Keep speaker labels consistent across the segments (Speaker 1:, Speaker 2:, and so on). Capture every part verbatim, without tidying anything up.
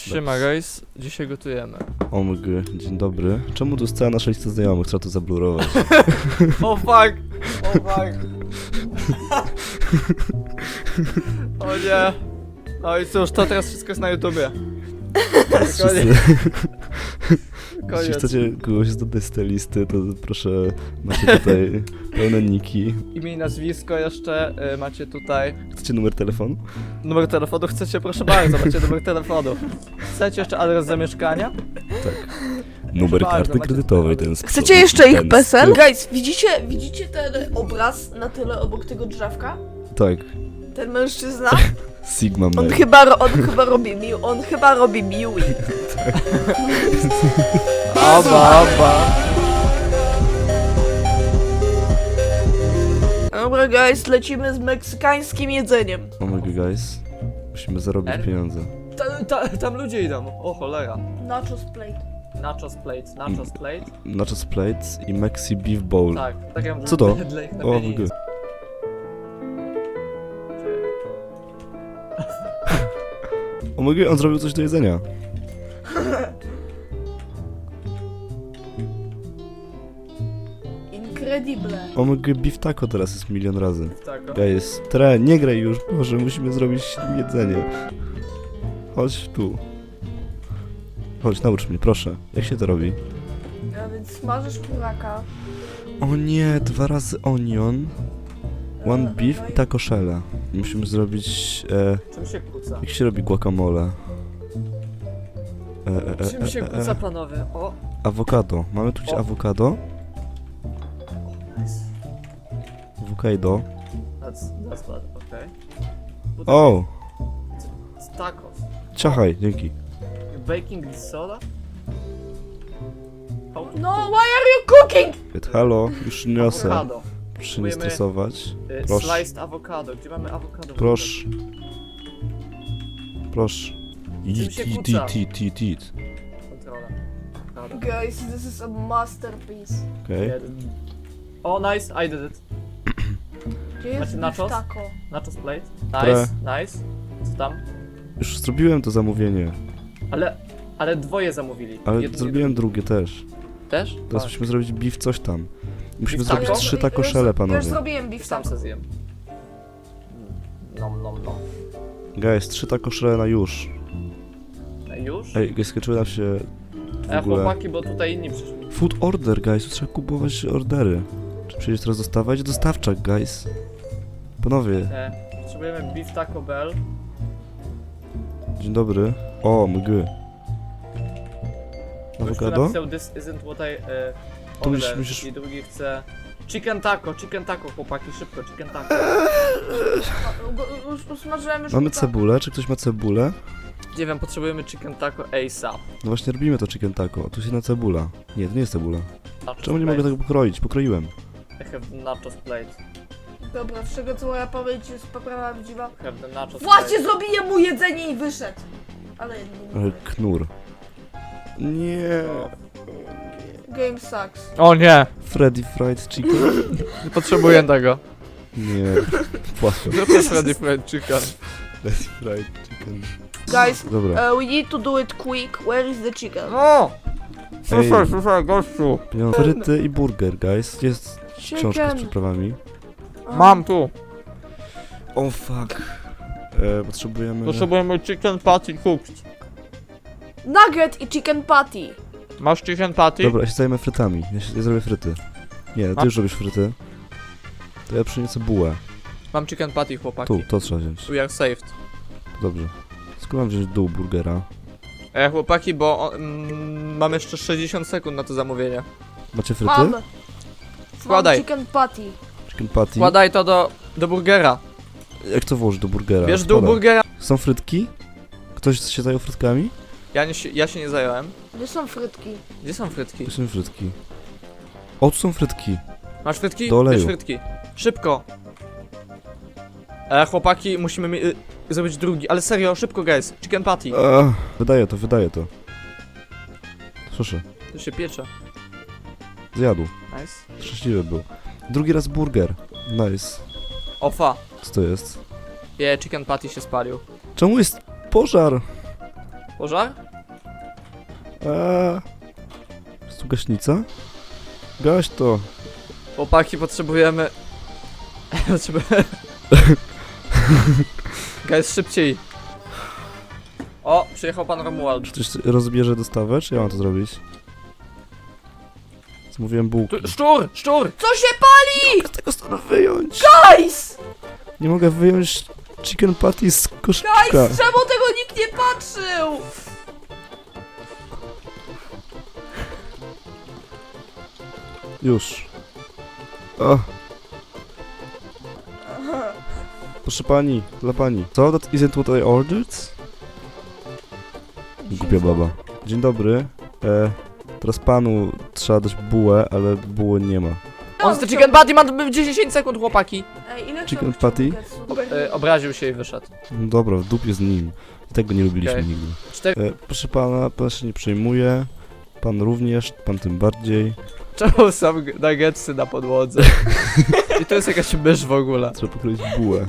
Speaker 1: Siema guys, dzisiaj gotujemy.
Speaker 2: O my g, dzień dobry. Czemu tu jest cała nasza lista znajomych? Trzeba to zablurować.
Speaker 1: O fuck! O fuck! O nie! No i cóż, to teraz wszystko jest na YouTubie.
Speaker 2: Wszyscy, jeśli
Speaker 1: Koniec.
Speaker 2: chcecie kogoś dodać z tej listy, to proszę, macie tutaj pełne niki.
Speaker 1: Imię i nazwisko jeszcze, y, macie tutaj
Speaker 2: Chcecie numer telefonu?
Speaker 1: numer telefonu, chcecie, proszę bardzo, macie numer telefonu. Chcecie jeszcze adres zamieszkania?
Speaker 2: Tak. Numer
Speaker 1: bardzo,
Speaker 2: karty
Speaker 1: macie
Speaker 2: kredytowej,
Speaker 1: tutaj.
Speaker 2: ten z
Speaker 3: Chcecie
Speaker 2: przodu,
Speaker 3: jeszcze ich
Speaker 2: ten z
Speaker 3: PESEL?
Speaker 2: tyłu.
Speaker 3: Guys, widzicie, widzicie ten obraz na tyle obok tego drzewka?
Speaker 2: Tak.
Speaker 3: Ten mężczyzna?
Speaker 2: Sigma
Speaker 3: On
Speaker 2: Man.
Speaker 3: chyba, ro- on chyba robi mi, on chyba robi miły.
Speaker 1: Oba, oba.
Speaker 3: Dobra guys, lecimy z meksykańskim jedzeniem.
Speaker 2: O my g, guys. Musimy zarobić
Speaker 1: Er?
Speaker 2: pieniądze.
Speaker 1: Ta, ta, tam ludzie idą, o cholera.
Speaker 3: Nachos plate.
Speaker 1: Nachos plate, nachos plate.
Speaker 2: Nachos plates i Mexi Beef Bowl.
Speaker 1: Tak, tak ja
Speaker 2: Co to?
Speaker 1: Dla ich na
Speaker 2: O my
Speaker 1: pieniądze.
Speaker 2: g. O my g, on zrobił coś do jedzenia.
Speaker 3: Incredible.
Speaker 2: O my g, beef taco teraz jest milion razy.
Speaker 1: Tak, o.
Speaker 2: Guys, tre, nie graj już, Boże, musimy zrobić jedzenie. Chodź tu. Chodź, naucz mnie, proszę. Jak się to robi?
Speaker 3: A więc smażysz kuraka.
Speaker 2: O nie, dwa razy onion, one beef i taco shella. Musimy zrobić, e,
Speaker 1: Czym się kłóca?
Speaker 2: jak się robi guacamole? E, e, e,
Speaker 1: Czym się
Speaker 2: e, e,
Speaker 1: kłóca,
Speaker 2: e.
Speaker 1: panowie? O!
Speaker 2: Awokado. Mamy tu gdzieś
Speaker 1: O.
Speaker 2: awokado?
Speaker 1: Nice.
Speaker 2: Awokado.
Speaker 1: That's, that's bad, okej. Okay.
Speaker 2: O!
Speaker 1: Tacos.
Speaker 2: Ciachaj, dzięki.
Speaker 1: You baking this soda? How to
Speaker 3: No,
Speaker 1: cook?
Speaker 3: why are you cooking?
Speaker 2: Halo, już niosę.
Speaker 1: Awokado.
Speaker 2: Proszę nie
Speaker 1: Próbujemy-
Speaker 2: stresować.
Speaker 1: Y,
Speaker 2: Proszę.
Speaker 1: Sliced avocado. Gdzie mamy awokado?
Speaker 2: Proszę. Proszę. Eat,
Speaker 1: się
Speaker 2: eat,
Speaker 1: kłóca?
Speaker 2: eat, eat, eat, eat.
Speaker 1: Kontrola. Awokado.
Speaker 3: Guys, this is a masterpiece.
Speaker 2: Okej.
Speaker 1: Jeden. O, nice, I did it.
Speaker 3: Gdzie jest
Speaker 1: Macie
Speaker 3: beef
Speaker 1: nachos?
Speaker 3: taco?
Speaker 1: Nachos plate.
Speaker 2: Pre.
Speaker 1: Nice, nice. Co tam?
Speaker 2: Już zrobiłem to zamówienie,
Speaker 1: Ale, ale dwoje zamówili.
Speaker 2: ale
Speaker 1: Jedno-
Speaker 2: zrobiłem drugie też.
Speaker 1: jedno- Też?
Speaker 2: Teraz
Speaker 1: A,
Speaker 2: musimy zrobić beef coś tam. Musimy
Speaker 1: Beef
Speaker 2: zrobić
Speaker 1: taco?
Speaker 2: trzy
Speaker 3: Już-
Speaker 2: taco
Speaker 3: już-
Speaker 2: shelle,
Speaker 3: Już
Speaker 2: panowie.
Speaker 3: zrobiłem beef
Speaker 1: sam
Speaker 3: taco.
Speaker 1: se zjem. Nom, nom, nom.
Speaker 2: Guys, trzy taco shelle na już.
Speaker 1: No i już?
Speaker 2: Ej, guys, skończyły nam się w
Speaker 1: E,
Speaker 2: ogóle...
Speaker 1: chłopaki, bo tutaj inni przyszli.
Speaker 2: Food order, guys, tu trzeba kupować ordery. Czy przyjdziesz teraz dostawać? Dostawczak, guys. Panowie,
Speaker 1: E, potrzebujemy beef Taco Bell.
Speaker 2: dzień dobry. O, mgły.
Speaker 1: Gościu
Speaker 2: Awokado?
Speaker 1: napisał, this isn't what I e,
Speaker 2: Tu musisz-
Speaker 1: ordered.
Speaker 2: musisz-
Speaker 1: I drugi chce... Chicken taco, chicken taco, chłopaki, szybko, chicken taco.
Speaker 3: A, go- Już usmażyłem już
Speaker 2: Mamy
Speaker 3: kuraka.
Speaker 2: cebulę, czy ktoś ma cebulę?
Speaker 1: Nie wiem, potrzebujemy chicken taco ASAP.
Speaker 2: No właśnie robimy to chicken taco, tu jest jedna cebula. Nie, to nie jest cebula.
Speaker 1: Nachos
Speaker 2: Czemu nie
Speaker 1: plate.
Speaker 2: mogę tego pokroić? Pokroiłem.
Speaker 1: I have nachos plate.
Speaker 3: Dobra, z czego co moja pamięć jest prawdziwa.
Speaker 1: I have the nachos
Speaker 3: Właśnie zrobiłem mu jedzenie i wyszedł. Ale nie.
Speaker 2: Ale knur. Nie.
Speaker 3: Game sucks.
Speaker 1: O nie,
Speaker 2: Freddy Fried Chicken?
Speaker 1: nie potrzebuję tego.
Speaker 2: Nie. Płakam.
Speaker 1: Zróbmy Freddy Fried Chicken.
Speaker 2: Freddy Fried Chicken.
Speaker 3: Guys,
Speaker 2: Dobra.
Speaker 3: uh, we need to do it quick. Where is the chicken?
Speaker 1: No! Słyszę,
Speaker 2: Ej.
Speaker 1: słyszę, gościu.
Speaker 2: Pieniądze. Fryty i burger, guys. Jest książka z
Speaker 3: Chicken.
Speaker 2: przyprawami.
Speaker 1: Mam tu.
Speaker 2: O fuck. E, potrzebujemy...
Speaker 1: Potrzebujemy chicken patty cooked.
Speaker 3: Nugget i chicken patty.
Speaker 1: Masz chicken patty?
Speaker 2: Dobra, ja się zajmę frytami. Ja, się, ja zrobię fryty. Nie, ty
Speaker 1: A?
Speaker 2: już robisz fryty. To ja przyniosę bułę.
Speaker 1: Mam chicken patty, chłopaki.
Speaker 2: Tu, to trzeba wziąć.
Speaker 1: We are saved.
Speaker 2: Dobrze. Skąd mam wziąć dół burgera?
Speaker 1: E, chłopaki, bo o, mm, mam jeszcze sześćdziesiąt sekund na to zamówienie.
Speaker 2: Macie fryty?
Speaker 3: Mam.
Speaker 1: Wkładaj.
Speaker 3: Mam chicken patty.
Speaker 2: Chicken patty.
Speaker 1: Wkładaj to do, do burgera.
Speaker 2: Jak to włożyć do burgera?
Speaker 1: Bierz do
Speaker 2: Wkładam.
Speaker 1: burgera.
Speaker 2: Są frytki? Ktoś się zajął frytkami?
Speaker 1: Ja, nie, się- ja się nie zająłem.
Speaker 3: Gdzie są frytki?
Speaker 1: Gdzie są frytki?
Speaker 2: Tu są frytki. O, tu są frytki.
Speaker 1: Masz frytki?
Speaker 2: Do oleju.
Speaker 1: Bierz frytki. Szybko. E, chłopaki, musimy mi, y, zrobić drugi. Ale serio, szybko, guys. Chicken patty.
Speaker 2: Ech, wydaje to, wydaje to. Proszę,
Speaker 1: To się piecze.
Speaker 2: zjadł.
Speaker 1: Nice.
Speaker 2: Szczęśliwy był. Drugi raz burger. Nice.
Speaker 1: Ofa.
Speaker 2: Co to jest?
Speaker 1: Je, chicken patty się spalił.
Speaker 2: Czemu jest pożar?
Speaker 1: Pożar?
Speaker 2: Eee, jest tu gaśnica? Gaś to.
Speaker 1: Chłopaki, potrzebujemy... potrzebujemy... Guys, szybciej. O, przyjechał pan Romuald.
Speaker 2: Czy ktoś rozbierze dostawę, czy ja mam to zrobić? Zamówiłem bułki.
Speaker 1: Tu, szczur! Szczur!
Speaker 3: Co się pali?
Speaker 2: Z tego stanu wyjąć!
Speaker 3: Guys!
Speaker 2: Nie mogę wyjąć chicken patty z koszyczka.
Speaker 3: Guys, czemu tego nikt nie patrzył?
Speaker 2: Już. O. Proszę pani, dla pani. So that isn't what I ordered? Głupia baba. Dzień dobry. E, teraz panu trzeba dać bułę, ale buły nie ma.
Speaker 1: On chce chicken patty, ma dziesięć sekund, chłopaki.
Speaker 3: Ej, ile
Speaker 2: Chicken
Speaker 3: chciał
Speaker 2: patty?
Speaker 3: nuggetsów?
Speaker 1: E, obraził się i wyszedł.
Speaker 2: No dobra, w dupie z nim. I tego nie lubiliśmy
Speaker 1: Okej.
Speaker 2: nigdy.
Speaker 1: Cztery...
Speaker 2: E, proszę pana, pan się nie przejmuje. Pan również, pan tym bardziej.
Speaker 1: Czemu są nuggetsy na podłodze? I to jest jakaś mysz w ogóle.
Speaker 2: Trzeba pokroić bułę.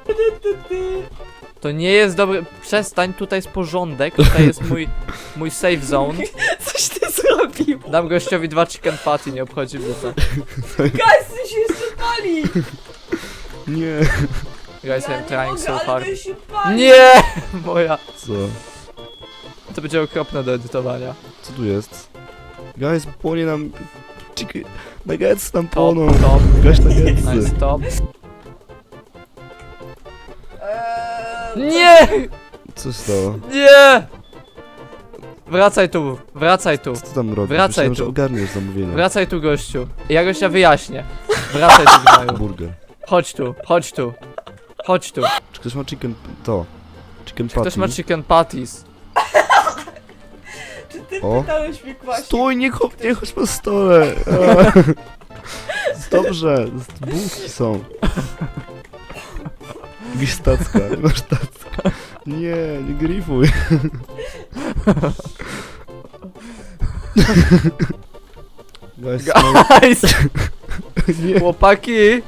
Speaker 1: To nie jest dobry... Przestań, tutaj jest porządek, tutaj jest mój... mój safe zone.
Speaker 3: Coś ty zrobił?
Speaker 1: Dam gościowi dwa chicken patty, nie obchodzi mnie to.
Speaker 3: Guys, ty się jeszcze pali!
Speaker 2: Nie.
Speaker 1: Guys, I'm trying so
Speaker 3: ale
Speaker 1: hard.
Speaker 3: to się pali!
Speaker 1: Nie! Moja.
Speaker 2: Co?
Speaker 1: To będzie okropne do edytowania.
Speaker 2: Co tu jest? Guys, płonie nam... Chicken... Nuggets nam
Speaker 1: Top,
Speaker 2: płoną.
Speaker 1: top.
Speaker 2: Gaś nuggetsy.
Speaker 1: Nice, top.
Speaker 3: Eee,
Speaker 1: Nie!
Speaker 2: Co się stało?
Speaker 1: Nie! Wracaj tu, wracaj tu.
Speaker 2: Co ty tam robisz?
Speaker 1: Wracaj
Speaker 2: Myślałem,
Speaker 1: tu.
Speaker 2: że ogarniesz zamówienie.
Speaker 1: Wracaj tu, gościu. Ja gościa wyjaśnię. Wracaj tu, gnaju.
Speaker 2: Burger.
Speaker 1: Chodź tu, chodź tu. Chodź tu.
Speaker 2: Czy ktoś ma chicken... to? Chicken patty?
Speaker 1: Ktoś ma chicken patties.
Speaker 3: Czy ty
Speaker 2: O.
Speaker 3: pytałeś mnie właśnie?
Speaker 2: Stój, nie, chop, nie chodź po stole! Dobrze, bułki są. Gdzieś tacka, nie masz tacka. Nie, nie grifuj. Guys, no,
Speaker 1: Guys!
Speaker 2: nie.
Speaker 1: Chłopaki!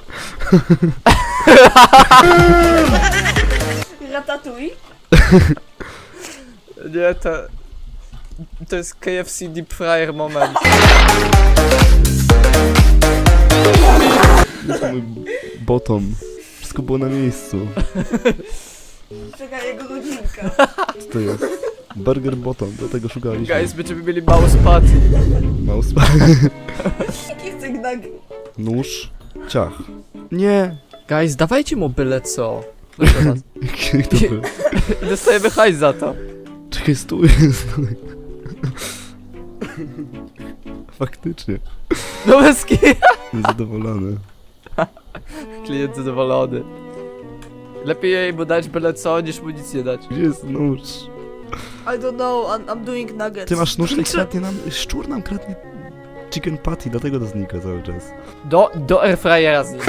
Speaker 3: Ratatouille?
Speaker 1: Nie, to... To jest K F C Deep Fryer moment.
Speaker 2: To mój bottom. Wszystko było na miejscu.
Speaker 3: Czekaj, jego rodzinka.
Speaker 2: Co to jest? Burger bottom, dlatego szukaliśmy.
Speaker 1: Guys, będziemy mieli mouse patty.
Speaker 2: Mouse.
Speaker 3: Jaki chce gnag...
Speaker 2: Nóż. Ciach. Nie.
Speaker 1: Guys, dawajcie mu byle co. Proszę was.
Speaker 2: Jak to było?
Speaker 1: Dostajemy hajs za to.
Speaker 2: Czekaj, stój, stój. Faktycznie.
Speaker 1: No bez ki-
Speaker 2: Niezadowolony.
Speaker 1: Klient zadowolony. Lepiej jej mu dać byle co, niż mu nic nie dać.
Speaker 2: Gdzie jest nóż?
Speaker 3: I don't know, I'm, I'm doing nuggets.
Speaker 2: Ty masz nóż i kradnie nam... Szczur nam kradnie chicken patty, dlatego to znika cały czas.
Speaker 1: Do, do airfryera z nim.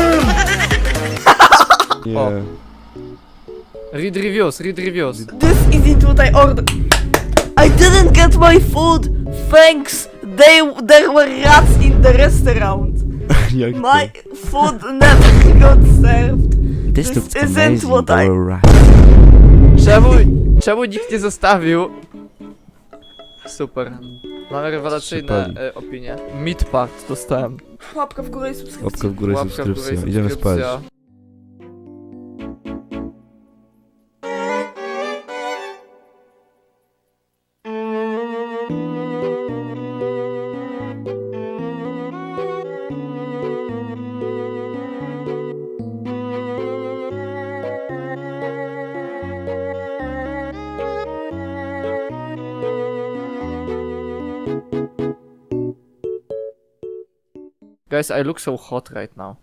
Speaker 2: Nie.
Speaker 1: O. Read reviews, read reviews.
Speaker 3: This isn't what I ordered. I didn't get my food. Thanks. They, there were rats in the restaurant.
Speaker 2: Jak
Speaker 3: My
Speaker 2: to?
Speaker 3: food never got served.
Speaker 2: This
Speaker 3: This
Speaker 2: looks
Speaker 3: isn't
Speaker 2: amazing,
Speaker 3: what I-
Speaker 2: alright.
Speaker 1: Czemu, czemu nikt nie zostawił? Super. Mamy rewelacyjne
Speaker 2: Przypali.
Speaker 1: e, opinie. Meat part dostałem.
Speaker 3: Łapka w górę i subskrypcja.
Speaker 2: Łapka w górę,
Speaker 1: Łapka w górę i
Speaker 2: subskrypcja. Idziemy spać.
Speaker 1: subskrypcja. Guys, I look so hot right now.